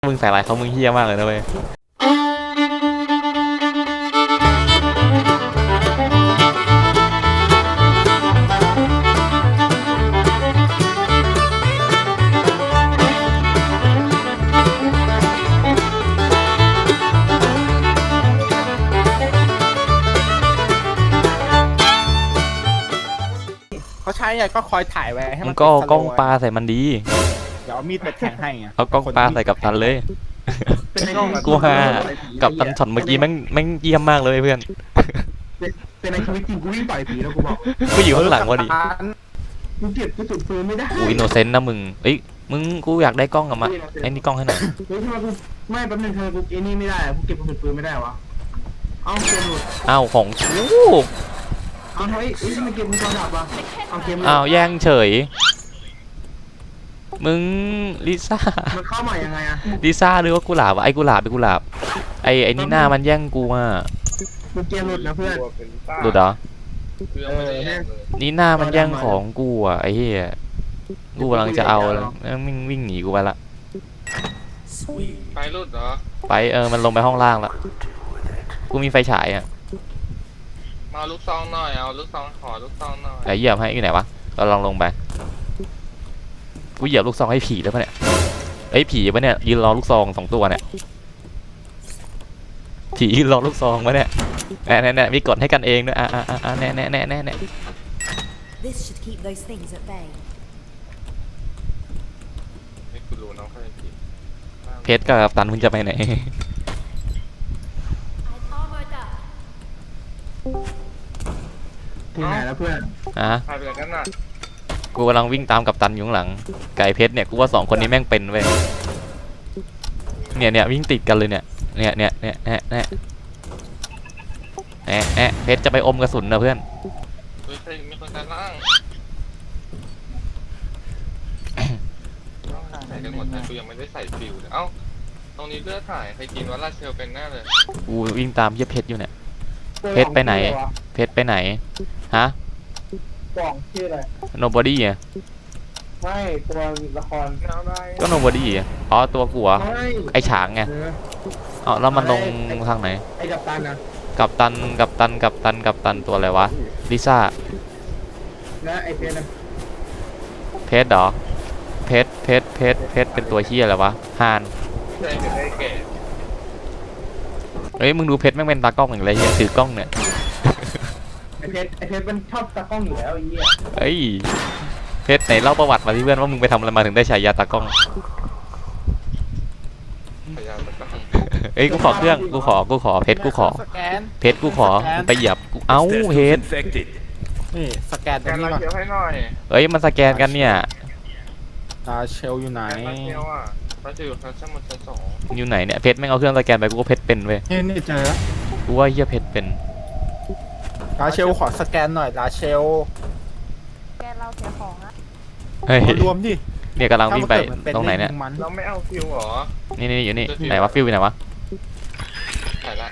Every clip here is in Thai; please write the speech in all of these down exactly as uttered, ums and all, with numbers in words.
มึงใส่ร้ายเขามึงเฮี้ยมากเลยนะเว้ยเขาใช้ไงก็คอยถ่ายไว้ให้มึมังนก็เอาเป็นกล้องสโว์ปลาใส่มันดีเดี๋ยวเอามีดไปแทงให้ไงเอากล้องปลาใส่กับตันเลยกูฮากับตันช็อตเมื่อกี้แม่งแม่งเยี่ยมมากเลยเพื่อนแต่ในชีวิตจริงกูวิ่งต่อยผีแล้วกูบอกกูอยู่ข้างหลังวะดิกูเก็บกระสุนปืนไม่ได้กูอินโนเซนต์นะมึงเอ้ยมึงกูอยากได้กล้องอะมาไอ้นี่กล้องให้หน่อยเฮ้ยทำไมกูไม่แป๊บนึงทำไมกูไอ้นี่ไม่ได้อะกูเก็บกระสุนปืนไม่ได้วะเอาเกมหลุดอ้าวของกูเอาเฮ้ยเฮ้ยทำไมเกมมึงจอดับวะเอาเกมหลุดอ้าวแย่งเฉยมึงลิซ่ามันเข้าใหม่ยังไงอะลิซ่าหรือว่ากุหลาบวะไอ้กุหลาบไอ้กุหลาบไอ้ไอ้นี่หน้ามันแย่งกูอ่ะกูเกมหลุดนะเพื่อนหลุดเหรอเออเนี่ยนี่หน้ามันแย่งของกูอ่ะไอ้เหี้ยกูกำลังจะเอาแล้ววิ่งวิ่งหนีกูไปละไปรุดเหรอไปเออมันลงไปห้องล่างละกูมีไฟฉายอ่ะมาเอาลูกซองหน่อย เอาลูกซองขอลูกซองหน่อยไหนเหยียบให้อยู่ไหนวะเราลองลงไปกูเหยียบลูกซองให้ผีแล้วปะเนี่ยไอ้ยผีปะเนี่ยยืนรอลูกซองสองตัวเนี่ยผียืนรอลูกซองปะเนี่ยแน่แน่แน่มีกดให้กันเองด้วยอ่ะอ่ะอ่ะแน่แน่แน่แน่แน่ This should keep those things at bay. ไม่กูรู้น้องเขาจะกินเพชรกับตันมึงจะไปไหน I've armored up. ถึงไหนแล้วเพื่อนอ่ะพาไปกันน่ะกูกำลังวิ่งตามกับตันอยู่ข้างหลังไก่เพชรเนี่ยกูว่าสองคนนี้แม่งเป็นเว้ยเนี่ยเนี่ยวิ่งติดกันเลยเนี่ยเนี่ยเนี่ยเนี่ยเนี่ยเนี่ยแอะแอะเพชรจะไปอมกระสุนนะเพื่อนเฮ้ยใครมีคนกันล่างใส่กันหมดแต่กูยังไม่ได้ใส่ฟิวเลยเอ้า ตรงนี้เลือดถ่าย ใครกินว่าลาเชลเป็นแน่เลยกูวิ่งตามเหี้ยเพชรอยู่เนี่ย เพชรไปไหน เพชรไปไหนฮะกล่องชื่ออะไร nobody อ่ะไม่ตัวละครแนวได้ก็ nobody อ่ะอ๋อตัวกูเหรอไม่ไอฉางไงเอออ๋อแล้วมันลงทางไหนไอ้กัปตันนะกับตันกับตันกับตันกับตันตัวอะไรวะลิซ่าและไอ้เพชรนะเพชรเหรอเพชรเพชรเพชรเพชรเป็นตัวเฮียอะไรวะฮานใช่ไม่ได้แก่เฮ้ยมึงดูเพชรแม่งเป็นตากล้องอย่างไรเฮียถือกล้องเนี่ยไอ้เพชรไอ้เพชรมันชอบตากล้องอยู่แล้วไอ้เหี้ยเฮ้ยเพชรไหนเล่าประวัติมาที่เพื่อนว่ามึงไปทำอะไรมาถึงได้ฉายาตากล้องพยายามตะก้องเอ้ยกูขอเครื่องกูขอกูขอเพชรกูขอสแกนเพชรกูขอมึงไปเหยียบกูเอ้าเพชรนี่สแกนตรแกงนนี้ลาก่อนเชลให้หน่อยเอ้ยมันสแกนกันเนี่ยตาเชลอยู่ไหนแกนลาเชลอ่ะลาเชลอยู่ชั้นชั้นบนชั้นสองอยู่ไหนเนี่ยเพชรแม่งเอาเครื่องสแกนไปกูก็เพชรเป็นเว้ยนี่นี่เจอแล้วกูว่าเฮียเพชรเป็นตาเชลขอสแกนหน่อยตาเชลแกเราเสียของอะเฮ้ยรวมดิเนี่ยกำลังวิ่งไปถ้ามักิดมัตรงไหนเนี่ยมันเราไม่เอาฟิวเหรอนี่นี่อยู่นี่ไหนวะฟิวอยู่ไหนวะถ่ายละ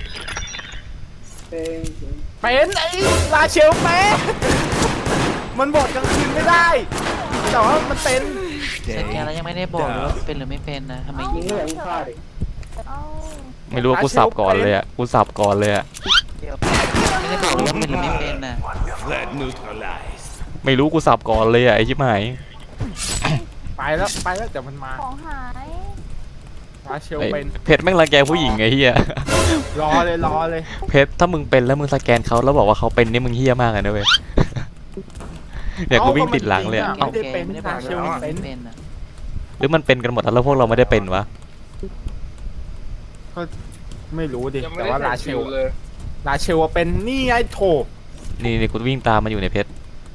เป็นเป็นไอ้ลาเชลแม่มันบอกกลางคืนไม่ได้แต่ว่ามันเป็นสแกนแล้วยังไม่ได้บอกเลยว่าเป็นหรือไม่เป็นนะทำไมยิยิงงไม่เหลือมึงฆ่าดิเอ้าไม่รู้ว่ากูสับก่อนเลยอ่ะกูสับก่อนเลยอ่ะไม่ได้บอกเลยว่าเป็นหรือไม่เป็นนะไม่รู้กูสับก่อนเลยอ่ะไอชิบหายไปแล้วไปแล้วแต่มันมาของหายลาเชลเอ้ยเป็นเพชรแม่งรังแกผู้หญิงไอ้เหี้ยรอเลยรอเลยเพชรถ้ามึงเป็นแล้วมึงสแกนเขาแล้วบอกว่าเขาเป็นนี่มึงเหี้ยมากเลยนะเว้ย เนี่ยกูวิ่งติดหลังเลยอะเอ้าเอ้าไม่ได้เป็นไม่ได้บอกลาเชเลยลว่าเป็นไม่เป็นนะหรือมันเป็นกันหมดแล้วพวกเราไม่ได้เป็นวะไม่รู้ดิยังไม่แต่ได้ว่าใส่ลาเชฟิลวเลยลาเชลเป็นนี่ไงโถนี่นี่กูวิ่งตามมาอยู่ในเพชร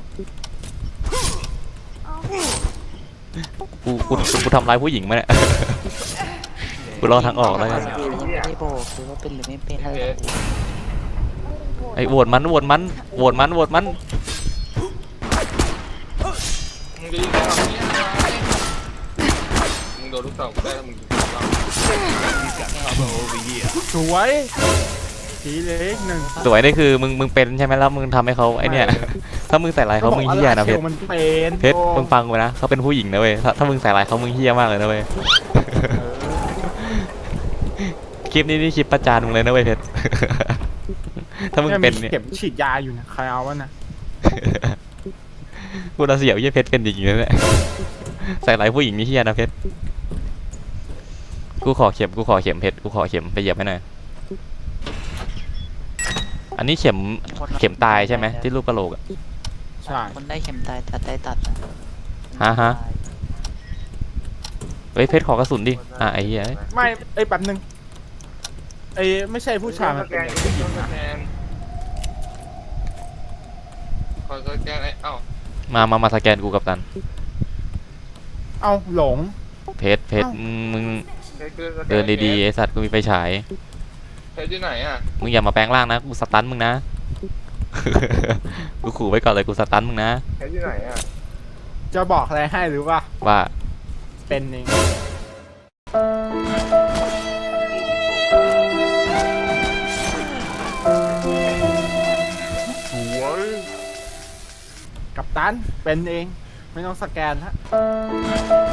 เอ้ากูกูกูกูทำร้ายผู้หญิงมาเนี่ย กูรอทางออกแล้วกันยังไม่ได้บอกเลยว่าเป็นหรือไม่เป็นเพชรไอ้โหวตมันโหวตมันโหวตมันโหวตมันมึงดูได้หรอเนี่ยมึงโดนลูกสาวกูได้แล้วมึงยิงเราสวยสีเล็กหนึ่งสวยนี่คือมึงมึงเป็นใช่ไหมแล้วมึงทำให้เขาไอเนี่ย ถ้ามึงใส่ร้ายเขามึงเหี้ยนะเพชรมันเป็นเพชรมึงฟังกูนะเขาเป็นผู้หญิงนะเว้ยถ้าถ้ามึงใส่ร้ายเขามึงเหี้ยมากเลยนะเว้ยเคลิปนี้นี่คลิปประจานมึงเลยนะเว้ยเพชร ถ้ามึงเป็นมีเนี่ยเข็มฉีดยาอยู่นะใครเอาวะนะกูน่าเสียวยี่เพชรเป็นอย่างนี้แหละ ใส่หลายผู้หญิงนี่เฮียนะเพชร กูขอเข็มกูขอเข็มเพชรกูขอเข็มไปเหยียบให้หน่อย อันนี้เข็มเข็มตายใช่ไหมที่รูปกระโหลกอะใช่คนได้เข็มตายตัดได้ตัดนะฮะฮะเฮ้ยเพชรขอกระสุนดิ อ่ะไอ้เหี้ยไม่ไอ้ยแป๊บนึงไอ้ไม่ใช่ผู้ชายมันเป็นเด็กผู้หญิงสนะแกนขอสแกนไอ้เอ้ามามามาสแกนกูกับตันเอาหลงเพชรเพชรมึงมึงเพชรคือสแกเดินดีๆไอสัตว์กูมีไฟฉายเพชรอยู่ไหนอ่ะมึงอย่ามาแปลงร่างนะ กูสตันมึงนะ กูขู่ไว้ก่อนเลยกูสตันมึงนะเพชรอยู่ไหนอ่ะจะบอกอะไรให้หรือว่าว่าเป็นเองสวยกับตันเป็นเอง ไม่ต้องสแกนละ